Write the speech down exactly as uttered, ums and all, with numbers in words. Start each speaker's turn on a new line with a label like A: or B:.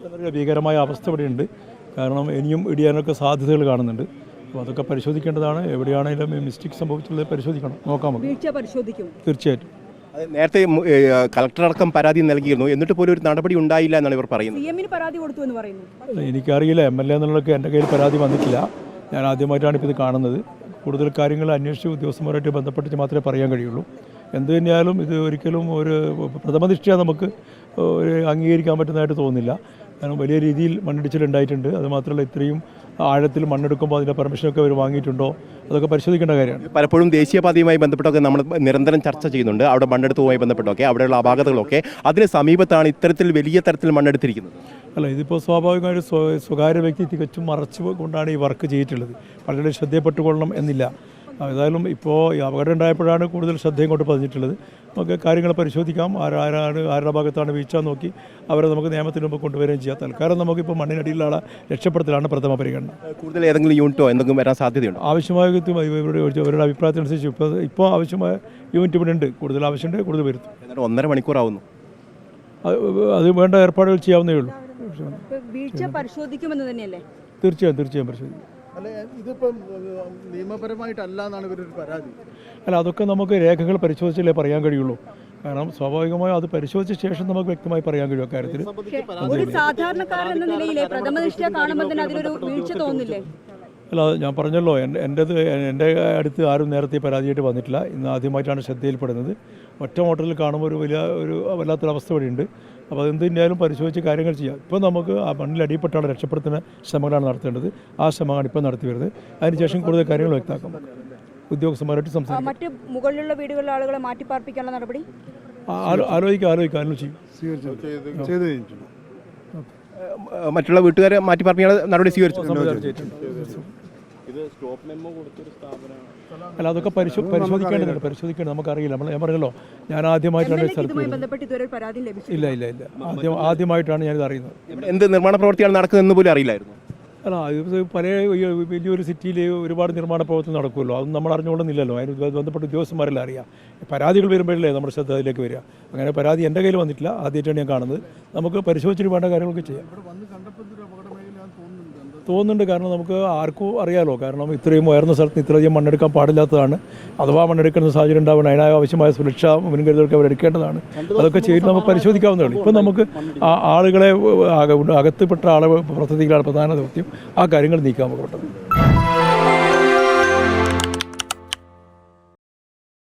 A: ഭീകരമായ അവസ്ഥ ഇവിടെയുണ്ട്. കാരണം ഇനിയും ഇടിയാനൊക്കെ സാധ്യതകൾ കാണുന്നുണ്ട്. അപ്പോൾ അതൊക്കെ പരിശോധിക്കേണ്ടതാണ്. എവിടെയാണെങ്കിലും മിസ്റ്റേക്ക് സംഭവിച്ചുള്ളത് പരിശോധിക്കണം, നോക്കാം.
B: പരിശോധിക്കും
A: തീർച്ചയായിട്ടും.
C: നേരത്തെ കളക്ടറടക്കം പരാതി നൽകിയിരുന്നു, എന്നിട്ട് പോലും ഒരു നടപടി ഉണ്ടായില്ല എന്നാണ് ഇവർ പറയുന്നത്.
B: പരാതി കൊടുത്തു എന്ന് പറയുന്നു.
A: എനിക്കറിയില്ല, എം എൽ എ എന്നുള്ളതൊക്കെ എൻ്റെ കയ്യിൽ പരാതി വന്നിട്ടില്ല. ഞാൻ ആദ്യമായിട്ടാണ് ഇപ്പോൾ ഇത് കാണുന്നത്. കൂടുതൽ കാര്യങ്ങൾ അന്വേഷിച്ച് ഉദ്യോഗസ്ഥന്മാരായിട്ട് ബന്ധപ്പെട്ടിട്ട് മാത്രമേ പറയാൻ കഴിയുള്ളൂ. എന്ത് തന്നെയാലും ഇത് ഒരിക്കലും ഒരു പ്രഥമദൃഷ്ടിയ നമുക്ക് ഒരു അംഗീകരിക്കാൻ പറ്റുന്നതായിട്ട് തോന്നുന്നില്ല. കാരണം വലിയ രീതിയിൽ മണ്ണിടിച്ചിലുണ്ടായിട്ടുണ്ട്. അതുമാത്രമല്ല, ഇത്രയും ആഴത്തിൽ മണ്ണെടുക്കുമ്പോൾ അതിൻ്റെ പെർമിഷനൊക്കെ അവർ വാങ്ങിയിട്ടുണ്ടോ, അതൊക്കെ പരിശോധിക്കേണ്ട കാര്യമാണ്.
C: പലപ്പോഴും ദേശീയപാതയുമായി ബന്ധപ്പെട്ടൊക്കെ നമ്മൾ നിരന്തരം ചർച്ച ചെയ്യുന്നുണ്ട്. അവിടെ മണ്ണെടുത്തുമായി ബന്ധപ്പെട്ടൊക്കെ അവിടെയുള്ള അപാകതകളൊക്കെ അതിന് സമീപത്താണ് ഇത്തരത്തിൽ വലിയ തരത്തിൽ മണ്ണെടുത്തിരിക്കുന്നത്.
A: അല്ല, ഇതിപ്പോൾ സ്വാഭാവികമായും സ്വകാര്യ വ്യക്തി തികച്ചും മറച്ചു കൊണ്ടാണ് ഈ വർക്ക് ചെയ്തിട്ടുള്ളത്. പലരുടെ ശ്രദ്ധയപ്പെട്ടുകൊള്ളണം എന്നില്ല. ഏതായാലും ഇപ്പോൾ ഈ അപകടം ഉണ്ടായപ്പോഴാണ് കൂടുതൽ ശ്രദ്ധയും കൊണ്ട് പതിഞ്ഞിട്ടുള്ളത്. നമുക്ക് കാര്യങ്ങൾ പരിശോധിക്കാം. ആരാരാണ് ആരുടെ ഭാഗത്താണ് വീഴ്ച നോക്കി അവരെ നമുക്ക് നിയമത്തിന് മുമ്പ് കൊണ്ടുവരികയും ചെയ്യാം. തൽക്കാലം നമുക്കിപ്പോൾ മണ്ണിനടിയിലുള്ള ആളെ രക്ഷപ്പെടുത്തലാണ് പ്രഥമ പരിഗണന.
C: കൂടുതൽ ഏതെങ്കിലും യൂണിറ്റോ എന്തെങ്കിലും വരാൻ സാധ്യതയുണ്ട്?
A: ആവശ്യമായ ഇവരുടെ അവരുടെ അഭിപ്രായത്തിനനുസരിച്ച് ഇപ്പോൾ ഇപ്പോൾ ആവശ്യമായ യൂണിറ്റ് ഇവിടെ ഉണ്ട്. കൂടുതൽ ആവശ്യമുണ്ട്, കൂടുതൽ വരുത്തും.
C: എന്നാലും ഒന്നര മണിക്കൂറാവുന്നു.
A: അത് വേണ്ട ഏർപ്പാടുകൾ ചെയ്യാവുന്നേ ഉള്ളൂ.
B: വീഴ്ച പരിശോധിക്കുമെന്ന് തന്നെയല്ലേ?
A: തീർച്ചയായും തീർച്ചയായും പരിശോധിക്കും.
D: അല്ല, ഇതിപ്പം നിയമപരമായിട്ടല്ല എന്നാണ് ഇവരൊരു പരാതി.
A: അല്ല, അതൊക്കെ നമുക്ക് രേഖകൾ പരിശോധിച്ചാലേ പറയാൻ കഴിയുള്ളൂ. കാരണം സ്വാഭാവികമായും അത് പരിശോധിച്ച ശേഷം നമുക്ക് വ്യക്തമായി പറയാൻ കഴിയും അക്കാര്യത്തിൽ.
B: ഒരു സാധാരണക്കാരൻ എന്ന നിലയിലെ പ്രഥമദൃഷ്ട്യാ കാണുമ്പോൾ തന്നെ അതിലൊരു വീഴ്ച തോന്നില്ലേ?
A: അല്ല, ഞാൻ പറഞ്ഞല്ലോ, എൻ്റെ എൻ്റെത് എൻ്റെ അടുത്ത് ആരും നേരത്തെ പരാതിയായിട്ട് വന്നിട്ടില്ല. ഇന്ന് ആദ്യമായിട്ടാണ് ശ്രദ്ധയിൽപ്പെടുന്നത്. ഒറ്റ മോട്ടറിൽ കാണുമ്പോൾ ഒരു വലിയ ഒരു വല്ലാത്തൊരവസ്ഥ ഇവിടെയുണ്ട്. അപ്പോൾ അതെന്ത് തന്നെയാലും പരിശോധിച്ച് കാര്യങ്ങൾ ചെയ്യാം. ഇപ്പോൾ നമുക്ക് ആ മണ്ണിൽ അടിപ്പെട്ടാണ് രക്ഷപ്പെടുത്തുന്ന ശ്രമങ്ങളാണ് നടത്തേണ്ടത്. ആ ശ്രമമാണ് ഇപ്പോൾ നടത്തി വരുന്നത്. അതിനുശേഷം കൂടുതൽ കാര്യങ്ങൾ വ്യക്തമാക്കാം. ഉദ്യോഗസ്ഥന്മാരായിട്ട് സംസാരിക്കും.
B: മറ്റ് മുകളിലുള്ള വീടുകളിലെ ആളുകളെ മാറ്റിപ്പാർപ്പിക്കാനുള്ള നടപടി
A: ആലോചിക്കുക ആലോചിക്കുക ആലോചിക്കും.
C: മറ്റുള്ള വീട്ടുകാരെ മാറ്റിപ്പാർപ്പിക്കാനുള്ള നടപടി സ്വീകരിച്ചു.
A: അല്ല, അതൊക്കെ പരിശോ പരിശോധിക്കേണ്ടതുണ്ട് പരിശോധിക്കേണ്ടത് നമുക്കറിയില്ല. നമ്മൾ ഞാൻ പറഞ്ഞല്ലോ, ഞാൻ ആദ്യമായിട്ടാണ് സ്ഥലത്ത് ഇല്ല ഇല്ല ഇല്ല ആദ്യം ആദ്യമായിട്ടാണ് ഞാനിത് അറിയുന്നത്.
C: എന്ത് നിർമ്മാണ പ്രവൃത്തിയാണ് നടക്കുന്നതെന്ന് പോലും അറിയില്ലായിരുന്നു.
A: അല്ല, ഇത് പല വലിയൊരു സിറ്റിയിൽ ഒരുപാട് നിർമ്മാണ പ്രവർത്തനം നടക്കുമല്ലോ. അതൊന്നും നമ്മൾ അറിഞ്ഞുകൊള്ളുന്നില്ലല്ലോ. അതിന് ബന്ധപ്പെട്ട ഉദ്യോഗസ്ഥന്മാരെല്ലാം അറിയാം. പരാതികൾ വരുമ്പോഴല്ലേ നമ്മുടെ ശ്രദ്ധ അതിലേക്ക് വരിക. അങ്ങനെ പരാതി എൻ്റെ കയ്യിൽ വന്നിട്ടില്ല, ആദ്യമായിട്ടാണ് ഞാൻ കാണുന്നത്. നമുക്ക് പരിശോധിച്ചിട്ട് വേണ്ട കാര്യങ്ങളൊക്കെ ചെയ്യാം തോന്നുന്നുണ്ട്. കാരണം നമുക്ക് ആർക്കും അറിയാമല്ലോ. കാരണം ഇത്രയും ഉയർന്ന സ്ഥലത്ത് ഇത്രയധികം മണ്ണെടുക്കാൻ പാടില്ലാത്തതാണ്. അഥവാ മണ്ണെടുക്കുന്ന സാഹചര്യം ഉണ്ടാവണം, അതിനായ ആവശ്യമായ സുരക്ഷാ മുൻകരുതലൊക്കെ അവരെടുക്കേണ്ടതാണ്. അതൊക്കെ ചെയ്ത് നമുക്ക് പരിശോധിക്കാവുന്നതേ ഉള്ളൂ. ഇപ്പം നമുക്ക് ആളുകളെ അകത്തുപെട്ട ആളെ പ്രവർത്തിക്കാനുള്ള പ്രധാന ദൗത്യം ആ കാര്യങ്ങൾ നീക്കാൻ നമുക്ക് പെട്ടെന്ന്.